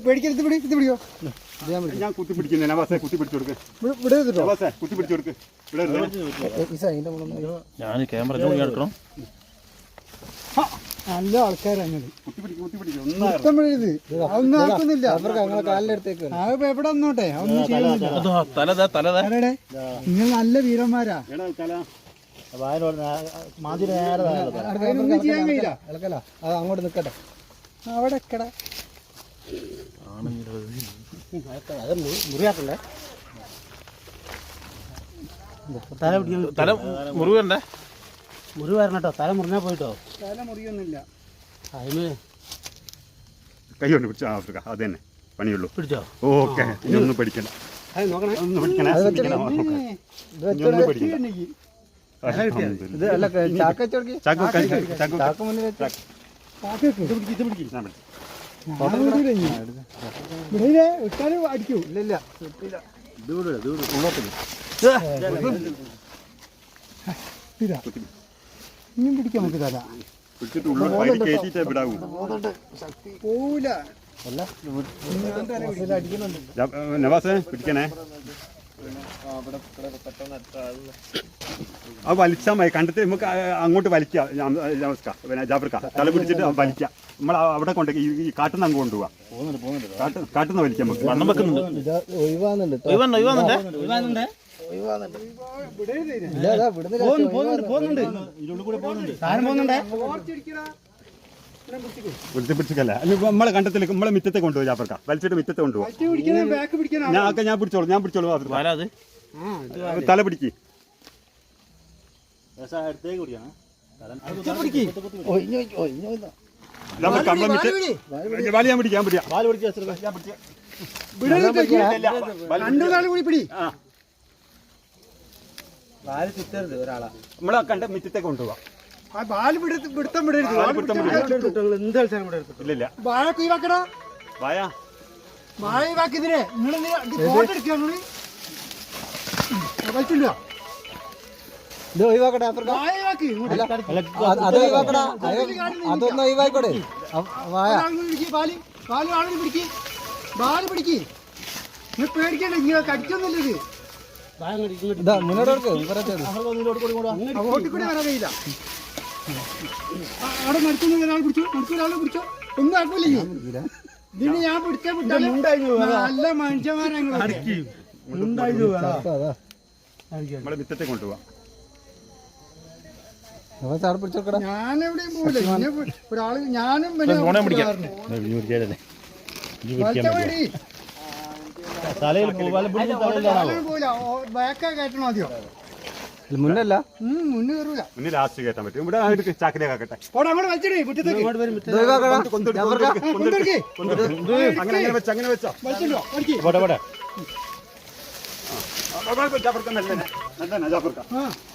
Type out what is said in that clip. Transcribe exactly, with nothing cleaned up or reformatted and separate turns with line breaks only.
പേടിക്കരുത്, പിടി, ഇത് പിടിയോ.
ഞാൻ കുത്തി പിടിക്കുന്നേ, നവാസെ കുത്തി പിടിച്ചു കൊടുക്ക്. നവാസെ കുത്തി പിടിച്ചു കൊടുക്ക്.
ഞാൻ ക്യാമറ എടുക്കണം.
നല്ല ആൾക്കാരാണ്.
കുത്തി പിടിക്കും, കുത്തി പിടിക്കും.
ഒന്നും ആക്കുന്നില്ല. എവിടെ വന്നോട്ടെ, ഒന്നും ചെയ്യുന്നില്ല. നിങ്ങൾ നല്ല വീരന്മാരാ. ഒന്നും ചെയ്യാൻ കഴിയില്ല.
അങ്ങോട്ട് നിക്കട്ടെ.
അവിടെ എക്കട
മുറിയാക്കണ്ടേ,
തല മുറിവണ്ടേ,
മുറി വരണം കേട്ടോ. തല മുറിഞ്ഞാ പോയിട്ടോ.
തല മുറിയൊന്നുമില്ല.
അതിന്
കൈ കൊണ്ട് പിടിച്ചോ. ആഫ്രിക്ക അത് തന്നെ പണിയുള്ളൂ.
പിടിച്ചോ?
ഓക്കെ, ഇനി ഒന്നും പഠിക്കണ്ട. ഒന്നും പഠിക്കണ
അടിക്കൂ. ഇല്ല, ഇനിയും പിടിക്കാൻ നമുക്ക് തല പോവില്ല.
നവാസേ പിടിക്കണേ. ആ വലിച്ചാൽ മതി. കണ്ടിട്ട് നമുക്ക് അങ്ങോട്ട് വലിക്കാം. പിന്നെ ജാഫർക്ക തല പിടിച്ചിട്ട് വലിക്കാം. നമ്മൾ അവിടെ കൊണ്ട് ഈ കാട്ടുന്ന അങ്ങ് കൊണ്ടുപോവാ. കാട്ടുന്ന വലിക്കാം നമുക്ക്. പിടിച്ചിക്കല്ല നമ്മളെ കണ്ടത്തിലേക്ക് നമ്മളെ മിറ്റത്തെ കൊണ്ടുപോയി. ജാഫർക്ക വലിച്ചിട്ട് മിറ്റത്തെ കൊണ്ടുപോകാം. ഞാൻ ഞാൻ പിടിച്ചോളൂ, ഞാൻ പിടിച്ചോളൂ. തല പിടിക്ക്. വലിയാൻ പിടിക്കാൻ പിടിക്കാം. നമ്മളെ കണ്ട മിറ്റത്തെ കൊണ്ടുപോവാം. ഇല്ലില്ല
അതൊന്നും ഒഴിവാക്കോടെ.
പേടിക്കണ്ട, ഇങ്ങനെ കടിക്കൊന്നുമില്ല.
മുന്നോട്ട്
കൂടി വരാൻ കഴിയില്ല. അവിടെ മരിക്കുന്ന ഒരാൾ പിടിച്ചു, മരിക്കുന്ന ഒരാൾ പിടിച്ചോ. ഒന്നും ആക്കൂലേ ഇതിന്. ഞാൻ പിടിക്കാൻ വിട്ടാലും നല്ല മനുഷ്യന്മാരാണ്.
നമ്മളെ മിറ്റത്തെ കൊണ്ടുപോവാം.
ഞാനെവിടെയും പോവില്ല. ഒരാള് ഞാനും ബാക്കാ കയറ്റണം ആദ്യം.
മുന്നല്ല
മുന്നേ കയറൂല.
മുന്നേ ലാസ്റ്റ് കയറ്റാൻ പറ്റും. ഇവിടെ ചാക്കിലേക്കാക്കട്ടെ. അങ്ങനെ അങ്ങനെ വെച്ച അങ്ങനെ വെച്ചോ.
ആ